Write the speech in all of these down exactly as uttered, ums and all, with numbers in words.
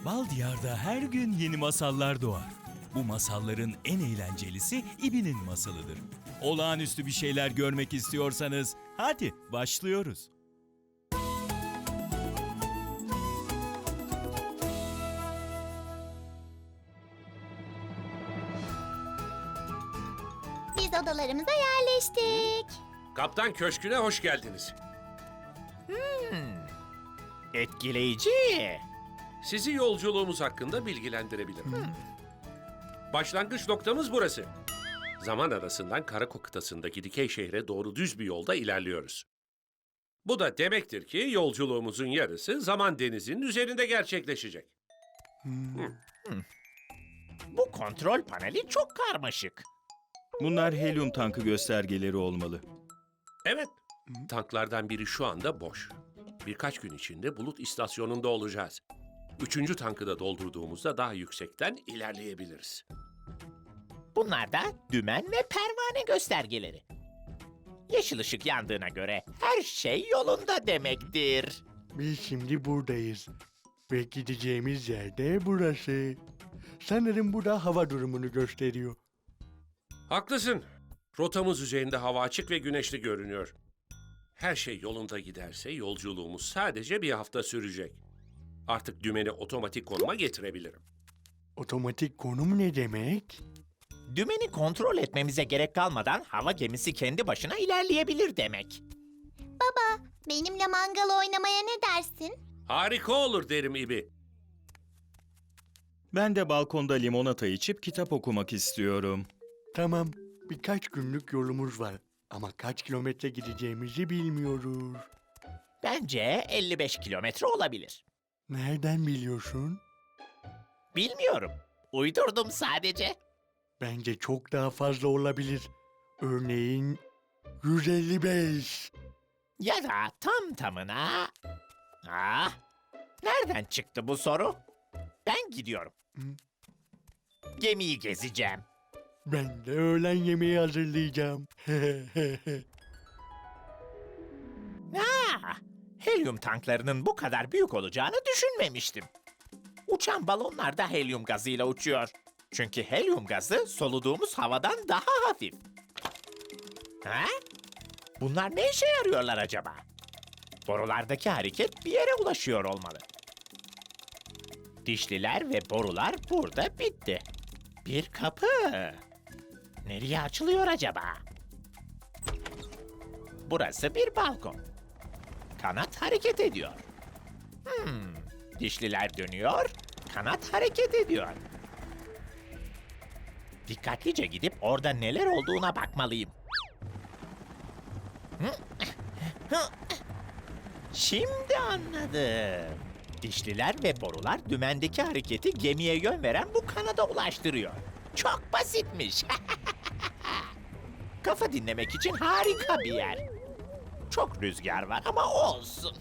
Bal Diyar'da her gün yeni masallar doğar. Bu masalların en eğlencelisi İbi'nin masalıdır. Olağanüstü bir şeyler görmek istiyorsanız hadi başlıyoruz. Biz odalarımıza yerleştik. Kaptan Köşkü'ne hoş geldiniz. Etkileyici. Sizi yolculuğumuz hakkında bilgilendirebilirim. Başlangıç noktamız burası. Zaman arasından Karako kıtasındaki dikey şehre doğru düz bir yolda ilerliyoruz. Bu da demektir ki yolculuğumuzun yarısı zaman denizinin üzerinde gerçekleşecek. Bu kontrol paneli çok karmaşık. Bunlar helyum tankı göstergeleri olmalı. Evet, tanklardan biri şu anda boş. Birkaç gün içinde bulut istasyonunda olacağız. Üçüncü tankı da doldurduğumuzda daha yüksekten ilerleyebiliriz. Bunlar da dümen ve pervane göstergeleri. Yeşil ışık yandığına göre her şey yolunda demektir. Biz şimdi buradayız. Ve gideceğimiz yer de burası. Sanırım bu da hava durumunu gösteriyor. Haklısın. Rotamız üzerinde hava açık ve güneşli görünüyor. Her şey yolunda giderse yolculuğumuz sadece bir hafta sürecek. Artık dümeni otomatik konuma getirebilirim. Otomatik konum ne demek? Dümeni kontrol etmemize gerek kalmadan hava gemisi kendi başına ilerleyebilir demek. Baba, benimle mangal oynamaya ne dersin? Harika olur derim İbi. Ben de balkonda limonata içip kitap okumak istiyorum. Tamam, birkaç günlük yolumuz var. Ama kaç kilometre gideceğimizi bilmiyoruz. Bence elli beş kilometre olabilir. Nereden biliyorsun? Bilmiyorum. Uydurdum sadece. Bence çok daha fazla olabilir. Örneğin yüz elli beş. Ya da tam tamına... Ah, nereden çıktı bu soru? Ben gidiyorum. Gemiyi gezeceğim. Ben de öğlen yemeği hazırlayacağım. Ah, helyum tanklarının bu kadar büyük olacağını düşünmemiştim. Uçan balonlar da helyum gazıyla uçuyor. Çünkü helyum gazı soluduğumuz havadan daha hafif. Ha? Bunlar ne işe yarıyorlar acaba? Borulardaki hareket bir yere ulaşıyor olmalı. Dişliler ve borular burada bitti. Bir kapı. Nereye açılıyor acaba? Burası bir balkon. Kanat hareket ediyor. Hmm, dişliler dönüyor, kanat hareket ediyor. Dikkatlice gidip orada neler olduğuna bakmalıyım. Şimdi anladım. Dişliler ve borular dümendeki hareketi gemiye yön veren bu kanada ulaştırıyor. Çok basitmiş. Kafa dinlemek için harika bir yer. Çok rüzgar var ama olsun.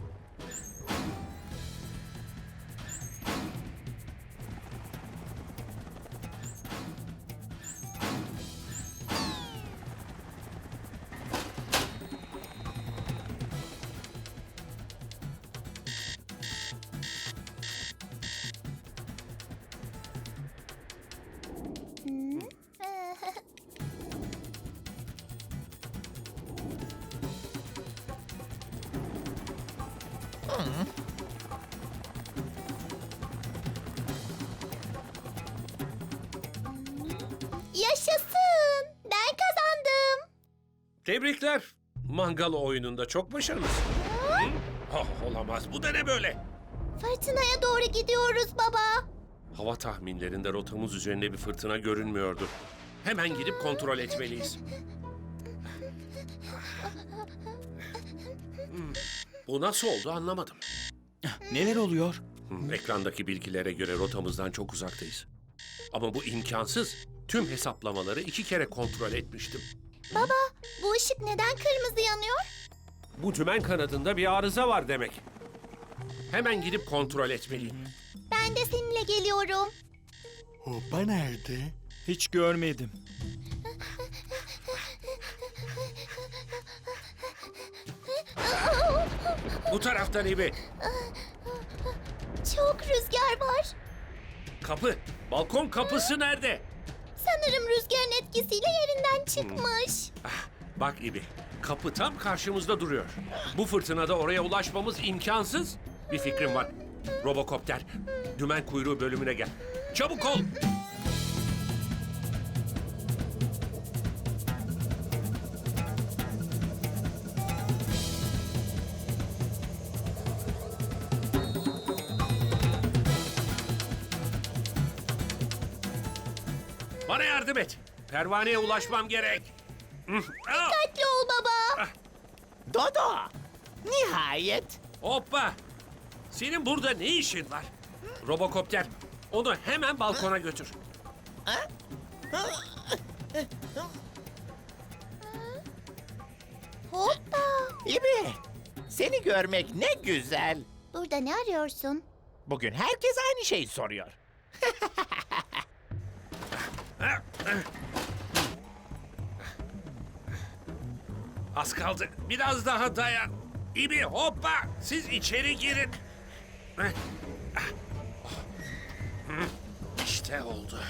Yaşasın! Ben kazandım. Tebrikler. Mangal oyununda çok başarılısın. Hı? Oh, olamaz. Bu da ne böyle? Fırtınaya doğru gidiyoruz baba. Hava tahminlerinde rotamız üzerinde bir fırtına görünmüyordu. Hemen gidip kontrol etmeliyiz. Hmm, Bu nasıl oldu anlamadım. Neler oluyor? Hmm, Ekrandaki bilgilere göre rotamızdan çok uzaktayız. Ama bu imkansız. Tüm hesaplamaları iki kere kontrol etmiştim. Baba, bu ışık neden kırmızı yanıyor? Bu dümen kanadında bir arıza var demek. Hemen gidip kontrol etmeliyim. Ben de seninle geliyorum. Hopa nerede? Hiç görmedim. Bu taraftan İbi. Çok rüzgar var. Kapı, balkon kapısı nerede? Sanırım rüzgarın etkisiyle yerinden çıkmış. Bak İbi, kapı tam karşımızda duruyor. Bu fırtınada oraya ulaşmamız imkansız. Bir fikrim var. Robokopter, dümen kuyruğu bölümüne gel. Çabuk ol. Bana yardım et. Pervaneye ulaşmam gerek. Hı, ah! Dikkatli ol baba. Dodo! Nihayet! Hoppa! Senin burada ne işin var? Robokopter, onu hemen balkona götür. Hoppa. İbi! Seni görmek ne güzel. Burada ne arıyorsun? Bugün herkes aynı şeyi soruyor. Az kaldı. Biraz daha dayan. İbi hoppa! Siz içeri girin. İşte oldu.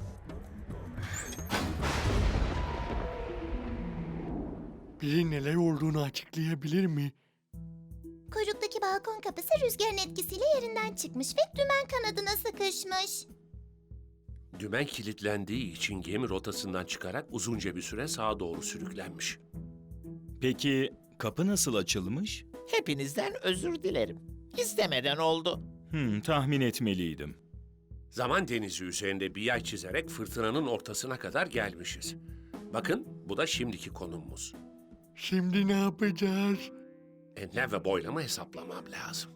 Biri neler olduğunu açıklayabilir mi? Kuyruktaki balkon kapısı rüzgarın etkisiyle yerinden çıkmış ve dümen kanadına sıkışmış. Dümen kilitlendiği için gemi rotasından çıkarak uzunca bir süre sağa doğru sürüklenmiş. Peki kapı nasıl açılmış? Hepinizden özür dilerim. İstemeden oldu. Hmm, tahmin etmeliydim. Zaman denizi üzerinde bir yay çizerek fırtınanın ortasına kadar gelmişiz. Bakın, bu da şimdiki konumumuz. Şimdi ne yapacağız? Enlem ve boylamı hesaplamam lazım.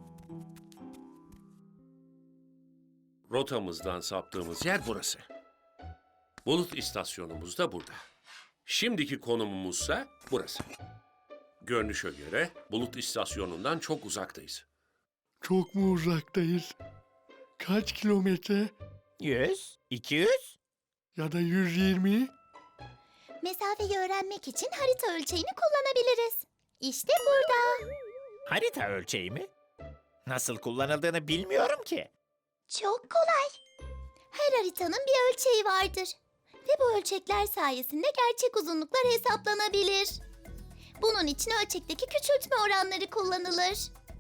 Rotamızdan saptığımız yer burası. Bulut istasyonumuz da burada. Şimdiki konumumuzsa burası. Görünüşe göre bulut istasyonundan çok uzaktayız. Çok mu uzaktayız? Kaç kilometre? Yüz, iki yüz? Ya da yüz yirmi? Mesafeyi öğrenmek için harita ölçeğini kullanabiliriz. İşte burada. Harita ölçeği mi? Nasıl kullanıldığını bilmiyorum ki. Çok kolay. Her haritanın bir ölçeği vardır. Ve bu ölçekler sayesinde gerçek uzunluklar hesaplanabilir. Bunun için ölçekteki küçültme oranları kullanılır.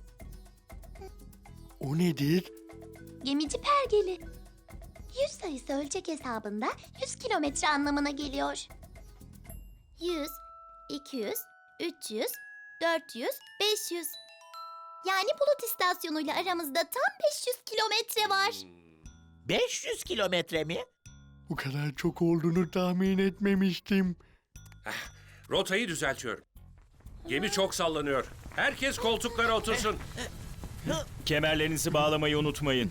O nedir? Gemici pergeli. Yüz sayısı ölçek hesabında yüz kilometre anlamına geliyor. Yüz, iki yüz, üç yüz, dört yüz, beş yüz. Yani bulut istasyonuyla aramızda tam beş yüz kilometre var. beş yüz kilometre mi? Bu kadar çok olduğunu tahmin etmemiştim. Rotayı düzeltiyorum. Gemi çok sallanıyor. Herkes koltuklara otursun. Kemerlerinizi bağlamayı unutmayın.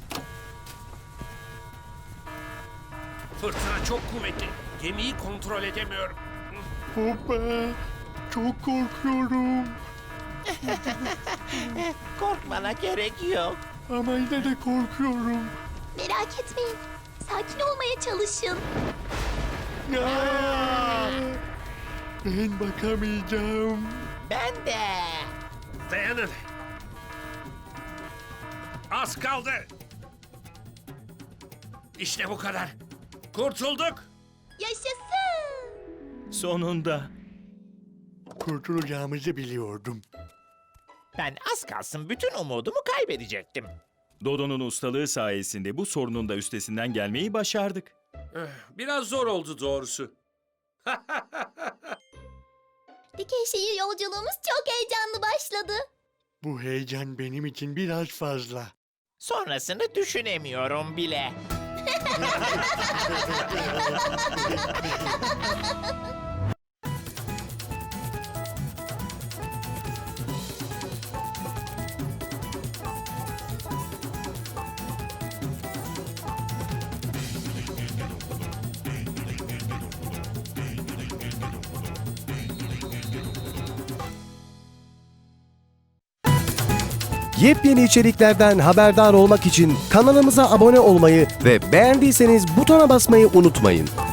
Fırtına çok kuvvetli. Gemiyi kontrol edemiyorum. Hoppa! Çok korkuyorum. Korkmana gerek yok. Ama yine de korkuyorum. Merak etmeyin. Sakin olmaya çalışın. Aa! Ben bakamayacağım. Ben de. Dayanın. Az kaldı. İşte bu kadar. Kurtulduk. Yaşasın. Sonunda. Kurtulacağımızı biliyordum. Ben az kalsın bütün umudumu kaybedecektim. Dodo'nun ustalığı sayesinde bu sorunun da üstesinden gelmeyi başardık. Eh, Biraz zor oldu doğrusu. Dikey şehir yolculuğumuz çok heyecanlı başladı. Bu heyecan benim için biraz fazla. Sonrasını düşünemiyorum bile. Yepyeni içeriklerden haberdar olmak için kanalımıza abone olmayı ve beğendiyseniz butona basmayı unutmayın.